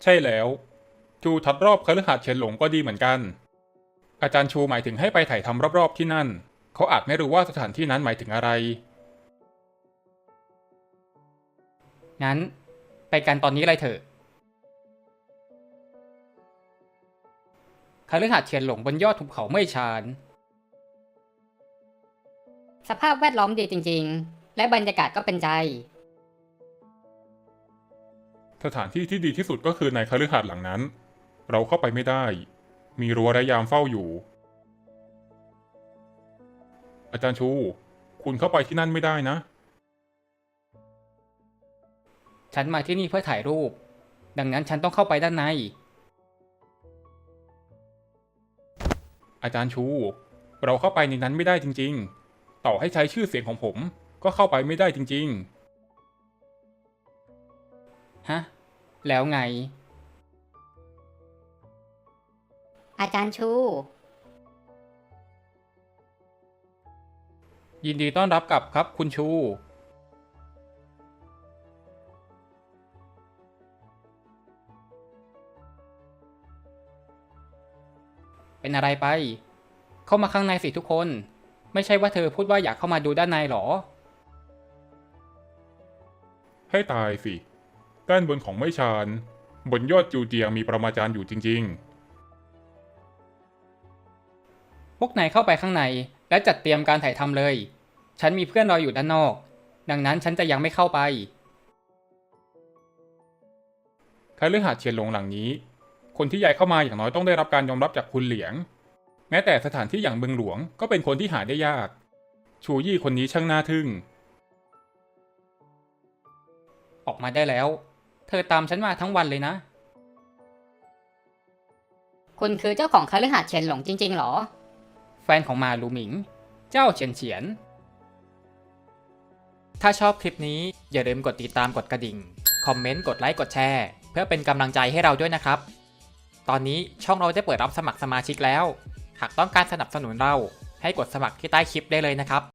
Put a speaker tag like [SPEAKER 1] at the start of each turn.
[SPEAKER 1] ใช่แล้วจูทัดรอบคฤหาสน์เฉินหลงก็ดีเหมือนกันอาจารย์ชูหมายถึงให้ไปถ่ายทำรอบๆที่นั่นเขาอาจไม่รู้ว่าสถานที่นั้นหมายถึงอะไร
[SPEAKER 2] งั้นไปกันตอนนี้เลยเถอะคฤหาสน์เฉียนหลงบนยอดภูเขาเม่ยชาน
[SPEAKER 3] สภาพแวดล้อมดีจริงๆ และบรรยากาศก็เป็นใจ
[SPEAKER 1] สถานที่ที่ดีที่สุดก็คือในคฤหาสน์หลังนั้นเราเข้าไปไม่ได้มีรั้วและยามเฝ้าอยู่อาจารย์ชูคุณเข้าไปที่นั่นไม่ได้นะ
[SPEAKER 2] ฉันมาที่นี่เพื่อถ่ายรูปดังนั้นฉันต้องเข้าไปด้านใน
[SPEAKER 1] อาจารย์ชูเราเข้าไปในนั้นไม่ได้จริงๆต่อให้ใช้ชื่อเสียงของผมก็เข้าไปไม่ได้จริง
[SPEAKER 2] ฮะแล้วไง
[SPEAKER 3] อาจารย์ชู
[SPEAKER 2] ยินดีต้อนรับกลับครับคุณชูเป็นอะไรไปเข้ามาข้างในสิทุกคนไม่ใช่ว่าเธอพูดว่าอยากเข้ามาดูด้านในหรอ
[SPEAKER 1] ๆให้ตายสิด้านบนของไม้ชานบนยอดจูเจียงมีปรมาจารย์อยู่จริง
[SPEAKER 2] พวกนายเข้าไปข้างในและจัดเตรียมการถ่ายทำเลยฉันมีเพื่อนรออยู่ด้านนอกดังนั้นฉันจะยังไม่เข้าไป
[SPEAKER 1] ๆคฤหาสน์เฉียนหลงหลังนี้คนที่ย้ายเข้ามาอย่างน้อยต้องได้รับการยอมรับจากคุณเหลียงแม้แต่สถานที่อย่างเมืองหลวงก็เป็นคนที่หาได้ยากชูยี่คนนี้ช่างน่าทึ่ง
[SPEAKER 2] ออกมาได้แล้วเธอตามฉันมาทั้งวันเลยนะ
[SPEAKER 3] คุณคือเจ้าของคฤหาสน์เฉินหลงจริงๆหรอ
[SPEAKER 2] แฟนของมาลูหมิง เจ้าเฉียนเฉียน ถ้าชอบคลิปนี้อย่าลืมกดติดตามกดกระดิ่ง คอมเมนต์ กดไลค์ กดแชร์ เพื่อเป็นกำลังใจให้เราด้วยนะครับ ตอนนี้ช่องเราได้เปิดรับสมัครสมาชิกแล้ว หากต้องการสนับสนุนเราให้กดสมัครที่ใต้คลิปได้เลยนะครับ